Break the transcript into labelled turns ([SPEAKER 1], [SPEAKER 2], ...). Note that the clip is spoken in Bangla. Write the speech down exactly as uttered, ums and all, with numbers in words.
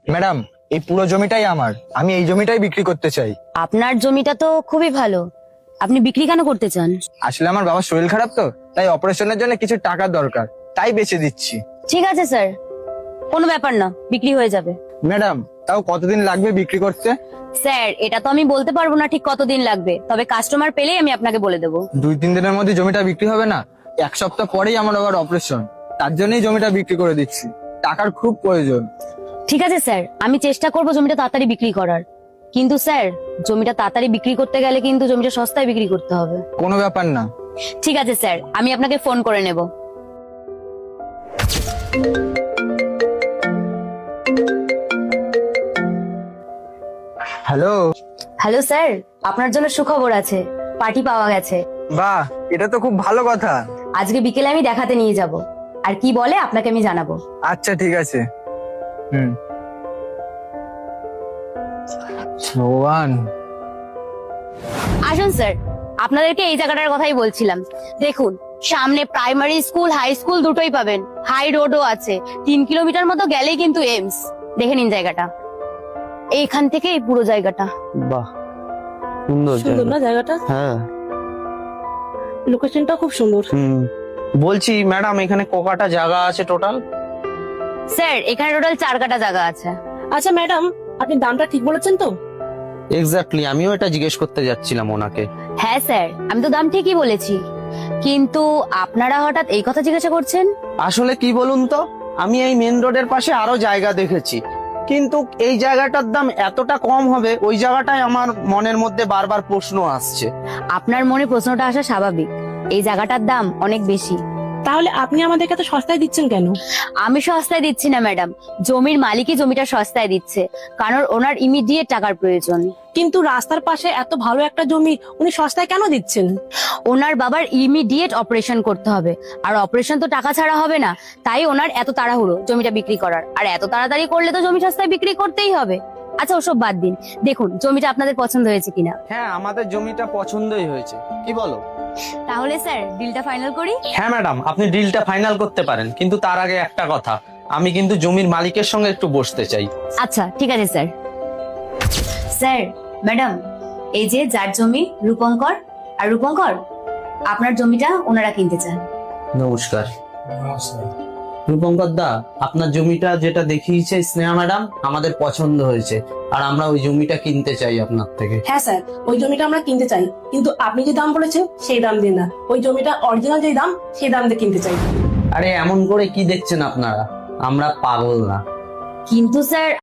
[SPEAKER 1] ম্যাডাম, এই পুরো জমিটাই আমার, আমি এই জমিটাই বিক্রি করতে চাই।
[SPEAKER 2] আপনার জমিটা তো খুবই ভালো, আপনি বিক্রি কেন করতে চান?
[SPEAKER 1] আসলে আমার বাবার শরীর খারাপ তো, তাই অপারেশনের জন্য কিছু টাকা দরকার, তাই বেচে দিচ্ছি।
[SPEAKER 2] ঠিক আছে স্যার, কোনো ব্যাপার না, বিক্রি হয়ে যাবে।
[SPEAKER 1] ম্যাডাম, তাও কতদিন লাগবে বিক্রি করতে?
[SPEAKER 2] স্যার, এটা তো আমি বলতে পারবো না ঠিক কতদিন লাগবে, তবে কাস্টমার পেলেই আমি আপনাকে বলে দেবো।
[SPEAKER 1] দুই তিন দিনের মধ্যে জমিটা বিক্রি হবে না? এক সপ্তাহ পরেই আমার আবার অপারেশন, তার জন্যই জমিটা বিক্রি করে দিচ্ছি, টাকার খুব প্রয়োজন।
[SPEAKER 2] ঠিক আছে স্যার, আমি চেষ্টা করবো জমিটা তাড়াতাড়ি বিক্রি করার, কিন্তু স্যার জমিটা তাড়াতাড়ি বিক্রি করতে গেলে কিন্তু জমিটা সস্তায় বিক্রি করতে হবে।
[SPEAKER 1] কোনো ব্যাপার না।
[SPEAKER 2] ঠিক আছে স্যার, আমি আপনাকে ফোন করে নেব।
[SPEAKER 1] হ্যালো।
[SPEAKER 2] হ্যালো স্যার, আপনার জন্য সুখবর আছে, পার্টি পাওয়া গেছে।
[SPEAKER 1] বাহ, এটা তো খুব ভালো কথা।
[SPEAKER 2] আজকে বিকেলে আমি দেখাতে নিয়ে যাব, আর কি বলে আপনাকে আমি জানাবো।
[SPEAKER 1] আচ্ছা ঠিক আছে। হুম। ভগবান।
[SPEAKER 2] আসুন স্যার, আপনাদেরকে এই জায়গাটার কথাই বলছিলাম। দেখুন, সামনে প্রাইমারি স্কুল, হাই স্কুল দুটোই পাবেন, হাই রোডও আছে, তিন কিলোমিটার মতো গেলেই কিন্তু এমস। দেখে নিন জায়গাটা, এইখান থেকে এই পুরো জায়গাটা।
[SPEAKER 3] বাহ, সুন্দর
[SPEAKER 4] সুন্দর না জায়গাটা?
[SPEAKER 3] হ্যাঁ।
[SPEAKER 4] লোকেশনটা খুব সুন্দর।
[SPEAKER 3] হুম, বলছি ম্যাডাম, এখানে কটা জায়গা আছে টোটাল?
[SPEAKER 2] স্যার, এখানে টোটাল চার কাটা জায়গা আছে।
[SPEAKER 4] আচ্ছা ম্যাডাম, আপনি দামটা ঠিক বলেছেন তো?
[SPEAKER 3] এক্স্যাক্টলি, আমিও এটা জিজ্ঞেস করতে যাচ্ছিলাম ওনাকে।
[SPEAKER 2] হ্যাঁ স্যার, আমি তো দাম ঠিকই বলেছি, কিন্তু আপনারা হঠাৎ এই কথা জিজ্ঞাসা করছেন।
[SPEAKER 3] আসলে কি বলুন তো, আমি এই মেন রোডের পাশে আরো জায়গা দেখেছি, কিন্তু এই জায়গাটার দাম এতটা কম হবে, ওই জায়গাটাই আমার মনের মধ্যে বারবার প্রশ্ন আসছে।
[SPEAKER 2] আপনার মনে প্রশ্নটা আসা স্বাভাবিক, এই জায়গাটার দাম অনেক বেশি।
[SPEAKER 4] তাহলে আপনি আমাদেরকে এত সস্তায় দিচ্ছেন কেন?
[SPEAKER 2] আমি সস্তায় দিচ্ছি না ম্যাডাম, জমির মালিকই জমিটা সস্তায় দিচ্ছে, কারণ ওনার ইমিডিয়েট টাকার প্রয়োজন।
[SPEAKER 4] কিন্তু রাস্তার পাশে এত ভালো একটা জমি উনি সস্তায় কেন দিচ্ছেন?
[SPEAKER 2] ওনার বাবার ইমিডিয়েট অপারেশন করতে হবে, আর অপারেশন তো টাকা ছাড়া হবে না, তাই ওনার এত তাড়াহুড়ো জমিটা বিক্রি করার, আর এত তাড়াতাড়ি করলে তো জমি সস্তায় বিক্রি করতেই হবে। আচ্ছা ওসব বাদ দিন, দেখুন জমিটা আপনাদের পছন্দ হয়েছে কিনা।
[SPEAKER 3] হ্যাঁ, আমাদের জমিটা পছন্দই হয়েছে, কি বলো?
[SPEAKER 2] তাহলে স্যার ডিলটা ফাইনাল করি।
[SPEAKER 3] হ্যাঁ ম্যাডাম, আপনি ডিলটা ফাইনাল করতে পারেন, কিন্তু তার আগে একটা কথা, আমি কিন্তু জমির মালিকের সঙ্গে একটু বসতে চাই।
[SPEAKER 2] আচ্ছা ঠিক আছে স্যার। স্যার, ম্যাডাম, এই যে যার জমি রূপঙ্কর, আর রূপঙ্কর আপনার জমিটা ওনারা কিনতে চান।
[SPEAKER 3] নমস্কার। রূপঙ্কর দা, আপনার জমিটা যেটা দেখিয়েছে স্নেহা ম্যাডাম, আমাদের পছন্দ হয়েছে, আর আমরা ওই জমিটা কিনতে চাই আপনার থেকে।
[SPEAKER 4] হ্যাঁ স্যার, ওই জমিটা আমরা কিনতে চাই, কিন্তু আপনি যে দাম বলেছেন সেই দাম দিয়ে না, ওই জমিটা অরিজিনাল যে দাম সেই দাম দিয়ে কিনতে চাই।
[SPEAKER 3] আরে এমন করে কি দেখছেন আপনারা, আমরা পাগল না।
[SPEAKER 2] কিন্তু স্যার